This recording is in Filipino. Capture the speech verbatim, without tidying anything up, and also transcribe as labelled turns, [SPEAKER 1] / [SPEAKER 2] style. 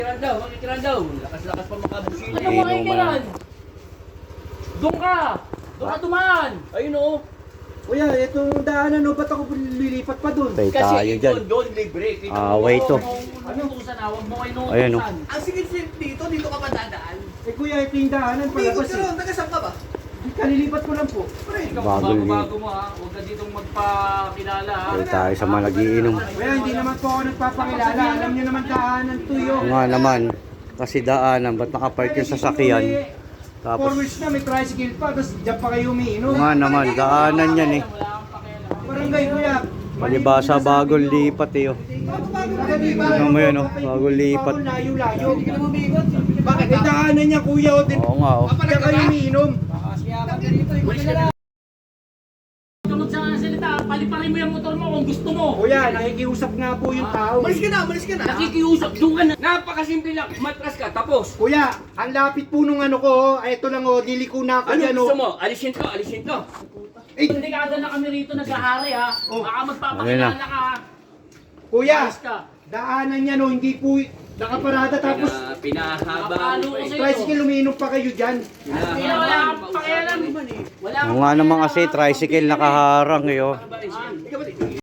[SPEAKER 1] Makikiran daw, makikiran daw. Lakas-lakas pa makabusin.
[SPEAKER 2] Ano mo makikiran? Doon ka! Doon ka dumaan!
[SPEAKER 1] Ayun o.
[SPEAKER 3] Kuya, itong daanan, no, ba't ako lilipat pa dun?
[SPEAKER 4] Tay
[SPEAKER 1] Kasi
[SPEAKER 4] tayo dyan.
[SPEAKER 1] doon, doon, libre. Kita
[SPEAKER 4] Ah,
[SPEAKER 1] mo.
[SPEAKER 4] wait to.
[SPEAKER 2] Ano kung saan awag mo kayo nung
[SPEAKER 4] Ayan, oh.
[SPEAKER 5] Ang sigit dito, dito ka padadaan.
[SPEAKER 3] Eh kuya, ito yung daanan,
[SPEAKER 5] Umikot
[SPEAKER 3] palabas
[SPEAKER 5] ka
[SPEAKER 3] eh.
[SPEAKER 5] ron, taga saan ka ba?
[SPEAKER 3] Kalilipat ko lang po.
[SPEAKER 5] Pre,
[SPEAKER 2] Ikaw,
[SPEAKER 4] Bago
[SPEAKER 2] bago,
[SPEAKER 4] li-
[SPEAKER 2] bago mo ha. Huwag ka ditong magpakilala ha.
[SPEAKER 4] Tay tayo sa mga nagiinom.
[SPEAKER 3] Kuya, hindi naman po ako nagpapakilala. Alam niyo naman daanan to yun.
[SPEAKER 4] Oo nga naman. Kasi daanan, ba't nakapark yung sasakyan?
[SPEAKER 3] Four
[SPEAKER 4] Tapos,
[SPEAKER 3] wheels na, may tricycle pa, tapos dyan pa kayo umiinom.
[SPEAKER 4] oo nga naman, daanan yan eh.
[SPEAKER 2] Wala kang pakialam.
[SPEAKER 3] Barangay kuya.
[SPEAKER 4] Palibasa bagong lipat eh. Oh. Tingnan mo yun, oh. Bagong lipat.
[SPEAKER 3] Layo-layo.
[SPEAKER 5] bakit
[SPEAKER 3] Eh daanan niya kuya, o din.
[SPEAKER 4] Oo nga oh.
[SPEAKER 3] Dyan kayo umiinom.
[SPEAKER 2] Tunod sa salita, paliparin mo yung motor mo kung gusto mo.
[SPEAKER 3] Kuya, nakikiusap nga po yung tao.
[SPEAKER 5] Umalis ka na, umalis ka na.
[SPEAKER 1] Nakikiusap, doon ka na. Napakasimple lang. Matras ka, tapos.
[SPEAKER 3] Kuya, ang lapit po nung ano ko, oh. Ay, ito lang oh, diliko na ako
[SPEAKER 1] Ano
[SPEAKER 3] dyan
[SPEAKER 1] gusto
[SPEAKER 3] oh.
[SPEAKER 1] mo? Alisin ko, alisin ko.
[SPEAKER 3] Eh,
[SPEAKER 2] Dekada na kami rito naghahari ha.
[SPEAKER 3] Oh.
[SPEAKER 2] Baka
[SPEAKER 4] Ayun
[SPEAKER 2] magpapakilala
[SPEAKER 4] na.
[SPEAKER 2] ka ha.
[SPEAKER 3] kuya,
[SPEAKER 2] Ayos ka.
[SPEAKER 3] daanan niya no, hindi po nakaparada tapos
[SPEAKER 1] Pina, pinahaba
[SPEAKER 2] Napalo
[SPEAKER 1] mo
[SPEAKER 2] ko
[SPEAKER 1] pa eh.
[SPEAKER 2] sa'yo.
[SPEAKER 3] tricycle umiinom pa kayo dyan.
[SPEAKER 2] Kaya wala kang pakialam. Wala
[SPEAKER 4] Oo nga naman kasi, tricycle nakaharang eh. Oh.
[SPEAKER 2] kang